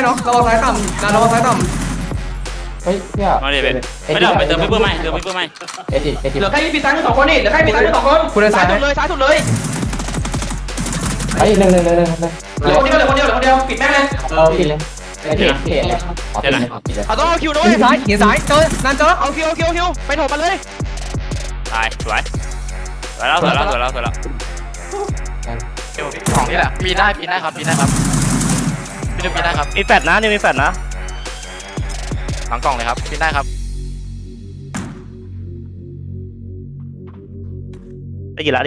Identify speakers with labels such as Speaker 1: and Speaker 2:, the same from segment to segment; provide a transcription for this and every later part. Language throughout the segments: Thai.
Speaker 1: เนาะระวังซ้ายต่ำระวังซ้ายต่ำ
Speaker 2: เฮ้ยเนี่ย
Speaker 3: มาดิเบนไม่ได้ไปเติมพี่เพิ่มไหมเติมพี่เพิ่มไหม
Speaker 2: เอ็ดดิ
Speaker 1: เหลือแค่ปีซ้าย2คนนี่เหลือแค่ปีซ้าย2คนคุณซ้ายสุดเลยซ้ายสุดเลย
Speaker 2: เฮ้ยหนึ่ง
Speaker 1: เหลือคนเดียวปิดแม่เลย
Speaker 2: ปิดเลยเอ็ด
Speaker 1: เอาต้องเอาคิวด้วยหินซ้ายเจอนั่นเจอเอาคิวไปโถมมันเลย
Speaker 3: ตายสวยแล้ว
Speaker 1: ของนี่แหละปีได้ครับปีได้ครับ
Speaker 3: มีแฟดนะนี่มีแฟดนะ
Speaker 1: หลังกล่องเลยครับปีได้ครับ
Speaker 3: ได้กี่ละ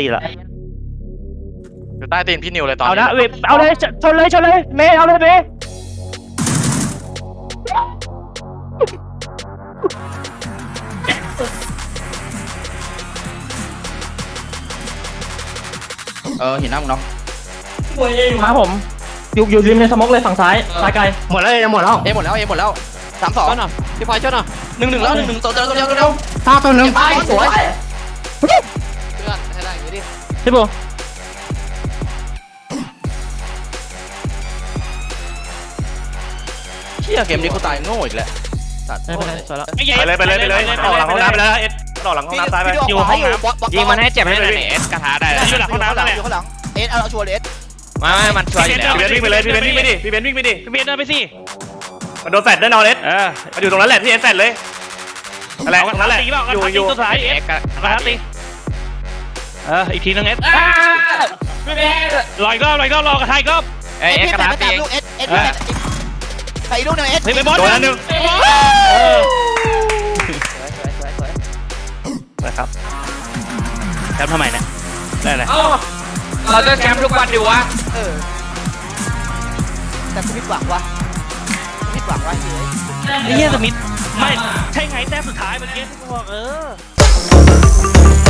Speaker 1: อยู่ใต้ตีนพี่นิวเลยตอน
Speaker 3: เอานะเว็บเอาเลยชนเลยเมย์เอาเลยเมย์
Speaker 1: หินหน้ามึงเนาะ
Speaker 4: มาผมอยู่ริมในสมองเลยฝั่งซ้ายไกล
Speaker 3: หมดแล้วหมดแล้ว
Speaker 1: หมดแล้ว3-2
Speaker 4: หน่อยพี่พลอยช่วยหน่อย
Speaker 1: 1-1แล้ว1-1ตัวเดียว
Speaker 4: ตาตัวนึง
Speaker 1: สวยเพื่อนให้ได้อย่างนี้ดิ
Speaker 4: พี่บู
Speaker 1: เชี่ยเกมนี้กูตายโง่อีกแล้ว
Speaker 4: ไม่เป็นไรสวยแล้ว
Speaker 3: ไปเลยต่อหลังห้องน้ำไปแล้วเอสต่อหลังห้องน้ำตายไป
Speaker 1: อยู่ห้องน้ำ
Speaker 3: ยิงมันให้เจ็บให้หน่อยเอสกระถาได้อยู่หลังห้องน้ำนั่นแหละ
Speaker 1: อยู่ข้างหลังเอสเอาชัวร์เอส
Speaker 3: ไม่มันช่วยอยู่แล้วพี่เบนวิ่งไปเลยพี่เบนวิ่งไปดิพี่เบนเดินไปสิมันโดนแฟดได้นอนเอสมันอยู่ตรงนั้นแหละที่เอสแฟดเลยอะไรตรงนั้นแหละอยู่สุดท้ายเอสกระถาตีอีกทีนึงเอสลอยก็รอกระถายก็
Speaker 1: เอสกระถาตีเอสใส่ลูกหนึ่งเอส
Speaker 3: ไปบอลโดนหนึ่งนะครับแชมป์ทำไมเนี่ยได้เลย
Speaker 1: เราจะแชมป์ทุกวันดิวะแต่กูผิดหวังวะไ
Speaker 3: ไอ้เหี้ยสมิธไม่ใช่ไงแต้มสุดท้ายเมื่อกี้ที่กูบอก